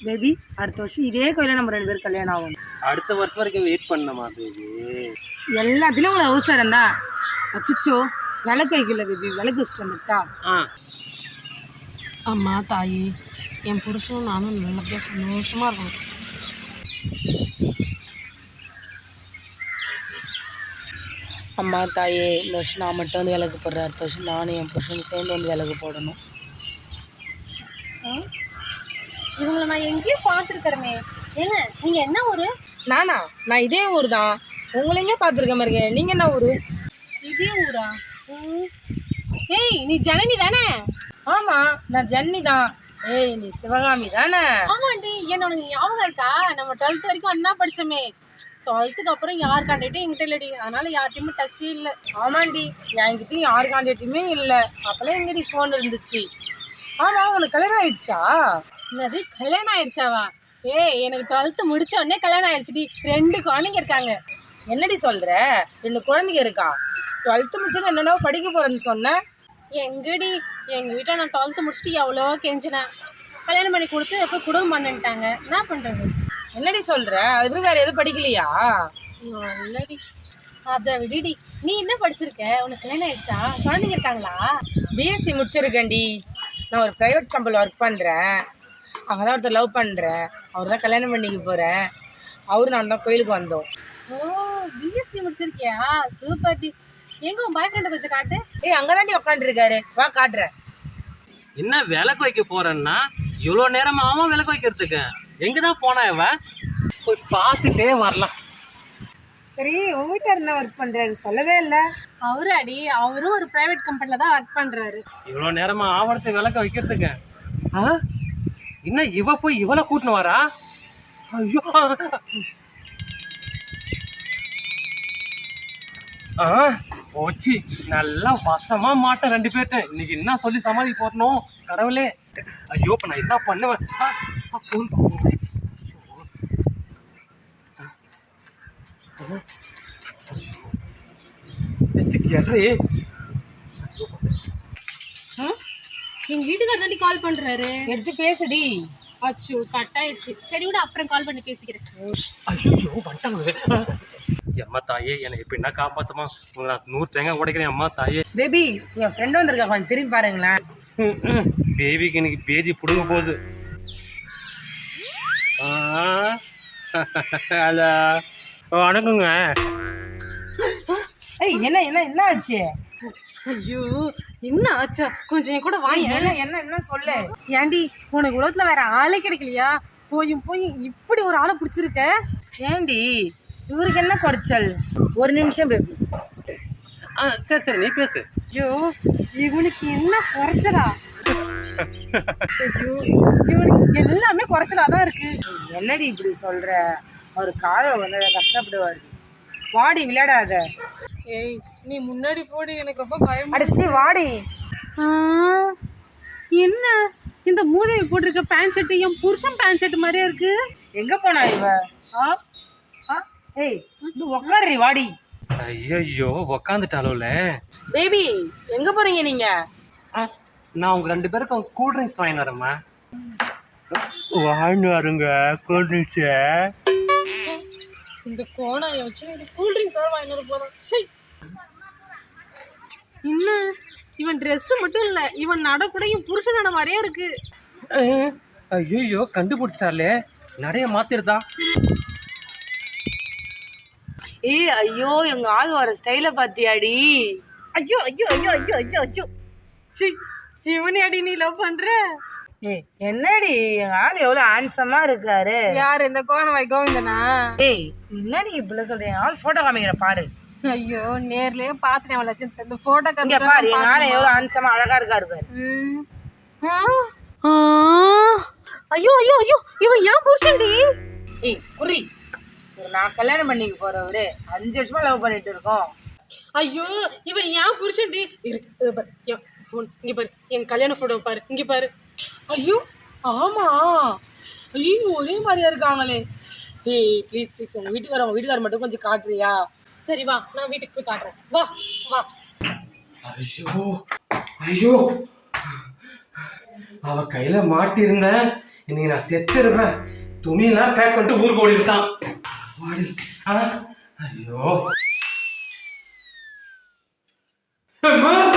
Baby அடுத்த வருஷம் இதே கோயில நம்ம 2 பேரும் கல்யாணம் ஆகும். அடுத்த வருஷம் வரைக்கும் வெயிட் பண்ணணுமா பேபி? எல்லாத்துலேயும் உங்களுக்கு அவசரம் தான். அச்சிச்சோ விளக்கு வைக்கல பேபி, விளக்கு வச்சுட்டு வந்துட்டா. அம்மா தாயி, என் புருஷனும் நானும் நல்லபடியாக சந்தோஷமாக இருக்கணும். அம்மா தாயே, இந்த வருஷம் நான் மட்டும் வந்து விளக்கு போடுறேன். அடுத்த வருஷம் நானும் என் புருஷனும் சேர்ந்து வந்து விளக்கு போடணும். இவங்களை நான் எங்கேயும் பார்த்துருக்கிறேமே. ஏங்க நீங்கள் என்ன ஊர்? நான் இதே ஊர் தான். உங்களை எங்கே பார்த்துருக்க மாதிரி இருக்கேன். நீங்கள் என்ன ஊர்? இதே ஊரா? ஏய், நீ ஜனனி தானே? ஆமாம், நான் ஜன்னி தான். ஏய், நீ சிவகாமி தானே? ஆமாண்டி. என்ன உனக்கு ஞாபகம் இருக்கா? நம்ம 12th வரைக்கும் அண்ணா படித்தோமே. 12th அப்புறம் யார் கான்டாக்டும் என்கிட்ட இல்லடி. அதனால யார்கிட்டையுமே டச்சே இல்லை. ஆமாண்டி, என்கிட்டையும் யார் கான்டாக்டுமே இல்லை. அப்போல்லாம் எங்கடி ஃபோன் இருந்துச்சு. ஆமாம், உனக்கு கல்யாணம் ஆயிடுச்சா? என்னது கல்யாணம் ஆயிடுச்சாவா? ஏய், எனக்கு 12th முடிச்ச உடனே கல்யாணம் ஆயிடுச்சுடி. 2 குழந்தைங்க இருக்காங்க. என்னடி சொல்கிற? 2 குழந்தைங்க இருக்கா? 12th முடிச்சுன்னு என்னென்ன படிக்க போகிறேன்னு சொன்னேன். எங்கடி, எங்கள் வீட்டில் நான் 12th முடிச்சுட்டு எவ்வளோ கெஞ்சினேன். கல்யாணம் பண்ணி கொடுத்து எப்போ குடும்பம் பண்ணிட்டாங்க. என்ன பண்ணுறது? என்னடி சொல்கிற? அதுக்கப்புறம் வேறு எதுவும் படிக்கலையா? இல்லடி, அதை விடுடி. நீ என்ன படிச்சிருக்க? உனக்கு கல்யாணம் ஆயிடுச்சா? குழந்தைங்க இருக்காங்களா? பிஎஸ்சி முடிச்சிருக்கேன்டி. நான் ஒரு ப்ரைவேட் கம்பெனியில் ஒர்க் பண்ணுறேன். அங்கே தான் ஒருத்தர் லவ் பண்ணுறேன். அவர் தான் கல்யாணம் பண்ணிக்க போகிறேன். அவரு நான் தான் கோயிலுக்கு வந்தோம். ஓ, பிஎஸ்சி முடிச்சிருக்கியா? சூப்பர் டி. எங்க உன் பாய் ஃப்ரெண்டை கொஞ்சம் காட்டு. ஏய், அங்கே தாண்டி உட்காந்துருக்காரு, வா காட்டுறேன். என்ன விளக்கு வைக்க போறேன்னா இவ்வளோ நேரமா? அவன் விளக்கு வைக்கிறதுக்கு எங்கே தான் போனா? இவ போய் பார்த்துட்டே வரலாம். சரி, உங்க வீட்டில் என்ன ஒர்க் பண்ணுறாரு சொல்லவே இல்லை. அவரும் ஒரு பிரைவேட் கம்பெனியில் தான் ஒர்க் பண்ணுறாரு. இவ்வளோ நேரமா ஆவரத்தை விளக்க வைக்கிறதுக்கு இன்னும் இவ போய் இவளை கூட்டின்னு வரா? ஐயோ, போச்சு. நல்லா வசமா மாட்டேன் 2 பேர்ட்ட. இன்னைக்கு என்ன சொல்லி சமாளி போடணும் கடவுளே. ஐயோ, இப்ப நான் என்ன பண்ணுவேன்? ஃபோன் பண்ணுவேன். எங்க வீட்டுக்காரர் தாண்டி கால் பண்றாரு. எடுத்து பேசுடி. அச்சோ, கட் ஆயிடுச்சு. சரி விட, அப்புறம் கால் பண்ணி பேசிக்கிறேன். ஐயோ, வந்துட்டாங்களே. அம்மா தாயே, என்னை இப்ப என்ன காப்பாத்துமா? உங்களை நான் 100 தேங்காய் உடைக்கிறேன். அம்மா தாயே. பேபி, என் ஃப்ரெண்ட் வந்திருக்கா, கொஞ்சம் திரும்பி பாருங்களேன். பேபிக்கு இன்னைக்கு பேதி புடுங்க போகுது. ஹலோ, வணக்கங்க. ஏய், என்ன ஆச்சு? ஐயோ, என்ன ஆச்சா? கொஞ்சம் என் கூட வாங்க. என்ன சொல்லு. ஏண்டி, உனக்கு உலகத்துல வேற ஆளே கிடைக்கலையா? போய் இப்படி ஒரு ஆளை பிடிச்சிருக்க. ஏண்டி, இவருக்கு என்ன குறைச்சல்? ஒரு நிமிஷம் பேபி. சரி நீ பேசு. ஐயோ, இவனுக்கு என்ன குறைச்சலா? ஐயோ, இவனுக்கு எல்லாமே குறைச்சலா தான் இருக்கு. என்னடி இப்படி சொல்ற? அவர் காலை வந்து கஷ்டப்படுவார். வாடி, விளையாடாத. ஏய், நீ முன்னாடி போடி, எனக்கு ரொம்ப பயம். அடிச்சு வாடி. என்ன இந்த மூதேவி போட்டிருக்க பேண்ட் ஷர்ட் என் புருஷன் பேண்ட் ஷர்ட் மாதிரியே இருக்கு. எங்க போனா இவ? ஏய், இது உட்காருடி, வாடி. ஐயோ, உக்காந்துட்டாலும்ல. பேபி, எங்க போறீங்க நீங்க? நான் உங்க 2 பேருக்கும் கூல் ட்ரிங்க்ஸ் வாங்கி வரேம்மா. வாங்கி வருங்க கூல் ட்ரிங்க்ஸ். இந்த கோணாயை வச்சு எனக்கு கூல் ட்ரிங்க்ஸ் வேறு வாங்கி வர போதும். சரி, இன்னும் இவன் ட்ரெஸ்ஸு மட்டும் இல்லை, இவன் நட கூட என் புருஷன் நட மாதிரியே இருக்கு. ஐயோ, கண்டுபிடிச்சாலே நிறைய மாத்திருதான். ஏய், ஐயோ, எங்க ஆள் வர ஸ்டைல பாத்தியாடி? ஐயோ ஐயோ ஐயோ ஐயோ ஐயோ ஐயோ. சி, இவனே அடி நீ லவ் பண்ற? ஏய், என்னடி, எங்க ஆள் எவ்வளவு ஹேண்ட்ஸமா இருக்காரு. யாரு, இந்த கோணவாய் கோவிந்தனா? ஏய், என்னடி இப்படி சொல்ற? என் ஆள் போட்டோ காமிக்கிற பாரு. ஐயோ, நேர்லயே பாத்துட்டேன். லட்சம் இந்த போட்டோ காமிக்க பாரு. எங்க ஆள் எவ்வளவு ஹேண்ட்ஸமா அழகா இருக்காரு பாரு. ஐயோ ஐயோ ஐயோ, இவன் ஏன் புருஷன்டி? ஏய், குறி. நான் கல்யாணம் பண்ணிக்க போறவரு 5 வருஷமா லவ் பண்ணிட்டு இருக்கோம். ஐயோ, இவன் ஏன் புருஷன்டி? ஃபோன் இங்க பாரு, என் கல்யாண போட்டோ பாரு, இங்க பாரு. ஐயோ, ஆமா. ஐயோ, ஒரே மாதிரியா இருக்காங்களே. ஏய், ப்ளீஸ் உங்க வீட்டுக்காரர் மட்டும் கொஞ்சம் காட்டுறியா? சரி வா, நான் வீட்டுக்கு போய் காட்டுறேன். வா வா. ஐயோ, அவ கையில மாட்டிருந்தேன். இன்னைக்கு நான் செத்து இருப்பேன். துணியெல்லாம் பேக் பண்ணிட்டு ஊருக்கு ஓடிட்டான். ஓடி. ஐயோ அம்மா